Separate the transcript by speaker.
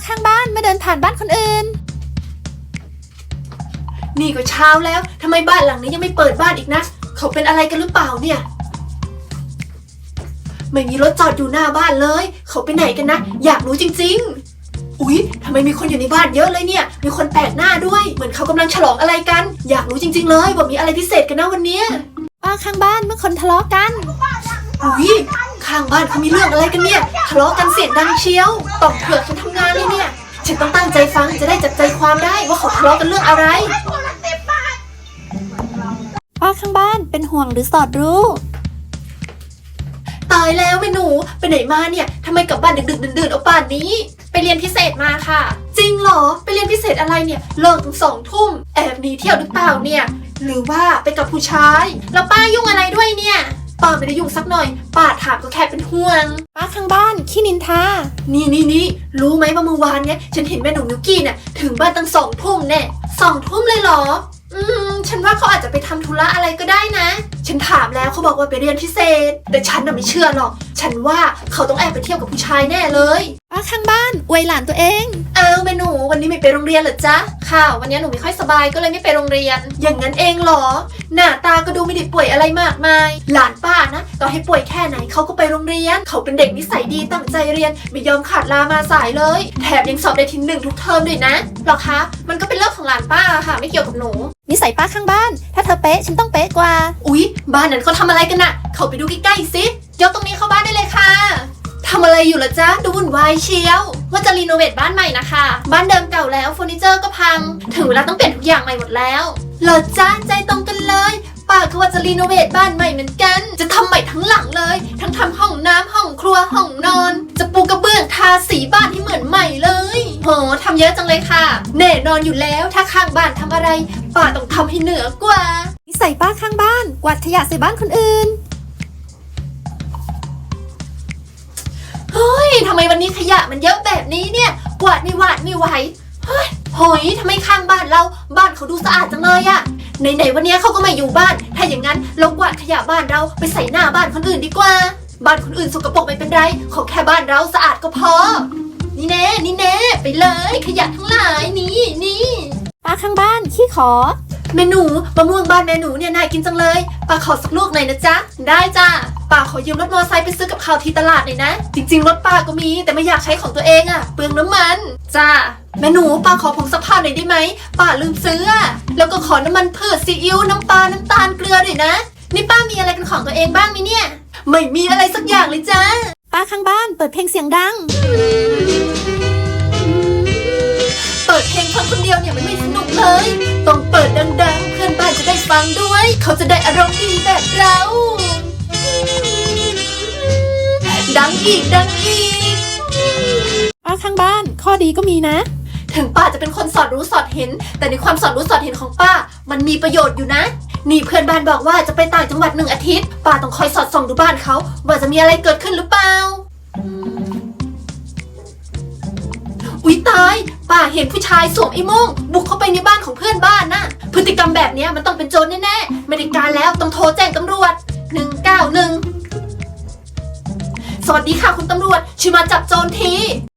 Speaker 1: ข้างบ้านมาเดินผ่านบ้านคนอื่น
Speaker 2: นี่ก็เช้าแล้วทำไมบ้านหลังนี้ยังไม่เปิดบ้านอีกนะเขาเป็นอะไรกันหรือเปล่าเนี่ยไม่มีรถจอดอยู่หน้าบ้านเลยเขาไปไหนกันนะอยากรู้จริงๆอุ๊ยทำไมมีคนอยู่ในบ้านเยอะเลยเนี่ยมีคนแปลกหน้าด้วยเหมือนเขากำลังฉลองอะไรกันอยากรู้จริงๆเลยว่ามีอะไรพิเศษกันนะวันนี้
Speaker 1: ป้าข้างบ้านเมื่อคนทะเลาะกัน
Speaker 2: อุ๊ยข้างบ้านเขามีเรื่องอะไรกันเนี่ยทะเลาะกันเสียงดังเชียวตอกเผือกฉันทำงานเลยเนี่ยฉันต้องตั้งใจฟังจะได้จับใจความได้ว่าเขาทะเลาะกันเรื่องอะไร
Speaker 1: ป้าข้างบ้านเป็นห่วงหรือสอดรู้
Speaker 2: ตายแล้วแม่หนูไปไหนมาเนี่ยทำไมกลับบ้านดึกๆดื่นๆเอาป่านนี้
Speaker 3: ไปเรียนพิเศษมาค่ะ
Speaker 2: จริงเหรอไปเรียนพิเศษอะไรเนี่ยเลิกถึง2 ทุ่มแอบหนีเที่ยวหรือเปล่าเนี่ยหรือว่าไปกับผู้ชาย
Speaker 3: แล้วป้ายุ่งอะไรด้วยเนี่ย
Speaker 2: ป้าไม่ได้ยุ่งสักหน่อยป้าถามก็แค่เป็นห่วง
Speaker 1: ป้าข้างบ้านขี้นินทา
Speaker 2: นี่รู้ไหมว่าเมื่อวานเนี่ยฉันเห็นแม่หนูมิวกี้เนี่ยถึงบ้านตั้ง2 ทุ่มแน่2 ทุ่มเลยเหรอฉันว่าเขาอาจจะไปทำธุระอะไรก็ได้นะฉันถามแล้วเขาบอกว่าไปเรียนพิเศษแต่ฉันน่ะไม่เชื่อหรอกฉันว่าเขาต้องแอบไปเที่ยวกับผู้ชายแน่เลย
Speaker 1: ป้าข้างบ้านอวยหลานตัวเอง
Speaker 2: แม่หนูวันนี้ไม่ไปโรงเรียนเหรอจ๊ะ
Speaker 3: ค่ะวันนี้หนูไม่ค่อยสบายก็เลยไม่ไปโรงเรียน
Speaker 2: อย่างนั้นเองเหรอหน้าตาก็ดูไม่ได้ป่วยอะไรมากมายหลานป้านะต่อให้ป่วยแค่ไหนเขาก็ไปโรงเรียนเขาเป็นเด็กนิสัยดีตั้งใจเรียนไม่ยอมขาดลามาสายเลยแถมยังสอบได้ที่1ทุกเทอมด้วยนะ
Speaker 3: หรอคะมันก็เป็นเรื่องของหลานป้าค่ะไม่เกี่ยวกับหนู
Speaker 1: นิสัยป้าข้างบ้านถ้าเธอเป๊ะฉันต้องเป๊ะกว่า
Speaker 2: อุ๊ยบ้านนั้นเขาทำอะไรกันน่ะเขาไปดูใกล้ๆสิ
Speaker 3: ยกตรงนี้เข้าบ้านได้เลยค่ะ
Speaker 2: ทำอะไรอยู่ล่ะจ๊ะดูวุ่นวายเชียว
Speaker 3: ว่าจะรีโนเวทบ้านใหม่นะคะบ้านเดิมเก่าแล้วเฟอร์นิเจอร์ก็พังถึงเวลาต้องเปลี่ยนทุกอย่างใหม่หมดแล้ว
Speaker 2: เหรอจ๊ะใจตรงกันเลยป้าก็ว่าจะรีโนเวทบ้านใหม่เหมือนกันจะทำใหม่ทั้งหลังเลยทั้งทำห้องน้ำห้องครัวห้องนอนจะปูกระเบื้องทาสีบ้านให้เหมือนใหม่เลย
Speaker 3: โหทำเยอะจังเลยค่ะ
Speaker 2: แน่นอนอยู่แล้วถ้าข้างบ้านทำอะไรป้าต้องทำให้เหนือกว่า
Speaker 1: นิสัยป้าข้างบ้านกวาดขยะใส่บ้านคนอื่น
Speaker 2: เฮ้ยทำไมวันนี้ขยะมันเยอะแบบนี้เนี่ยกวาดไม่ไหวเฮ้ยโหยทำไมข้างบ้านบ้านเขาดูสะอาดจังเลยอะไหนวันนี้เขาก็ไม่อยู่บ้านถ้าอย่างนั้นเรากวาดขยะบ้านเราไปใส่หน้าบ้านคนอื่นดีกว่าบ้านคนอื่นสกปรกไม่เป็นไรขอแค่บ้านเราสะอาดก็พอนี่แน่ไปเลยขยะทั้งหลายนี่
Speaker 1: ป้าข้างบ้านขี้ขอ
Speaker 2: เมนูมะม่วงบ้านแม่หนูเนี่ยน่ากินจังเลยป้าขอสักลูกหน่อยนะจ๊ะ
Speaker 3: ได้จ้ะ
Speaker 2: ป้าขอยืมรถมอเตอร์ไซค์ไปซื้อกับข้าวที่ตลาดหน่อยนะจริงๆรถป้าก็มีแต่ไม่อยากใช้ของตัวเองอะเปลืองน้ำมัน
Speaker 3: จ้ะ
Speaker 2: แม่หนูป้าขอผงซักผ้าหน่อยได้ไหมป้าลืมซื้อแล้วก็ขอน้ำมันพืชซีอิ๊วน้ำปลาน้ำตาลเกลือด้วยนะ
Speaker 3: นี่ป้ามีอะไรเป็นของตัวเองบ้างมั้ยเนี่ย
Speaker 2: ไม่มีอะไรสักอย่างเลยจ้า
Speaker 1: ป้าข้างบ้านเปิดเพลงเสียงดัง
Speaker 2: เปิดเพลงฟังคนเดียวเนี่ยมันไม่สนุกเลยต้องเปิดดังๆเพื่อนบ้านจะได้ฟังด้วยเขาจะได้อารมณ์ดีแบบเราดังอีก
Speaker 1: ป้าข้างบ้านข้อดีก็มีนะ
Speaker 2: ถึงป้าจะเป็นคนสอดรู้สอดเห็นแต่ในความสอดรู้สอดเห็นของป้ามันมีประโยชน์อยู่นะนี่เพื่อนบ้านบอกว่าจะไปต่างจังหวัด1 อาทิตย์ป้าต้องคอยสอดส่องดูบ้านเขาว่าจะมีอะไรเกิดขึ้นหรือเปล่าอุ๊ยตายป้าเห็นผู้ชายสวมไอ้โม่งบุกเข้าไปในบ้านของเพื่อนบ้านน่ะพฤติกรรมแบบนี้มันต้องเป็นโจรแน่ๆไม่ได้การแล้วต้องโทรแจ้งตำรวจ191สวัสดีค่ะคุณตำรวจช่วยมาจับโจรที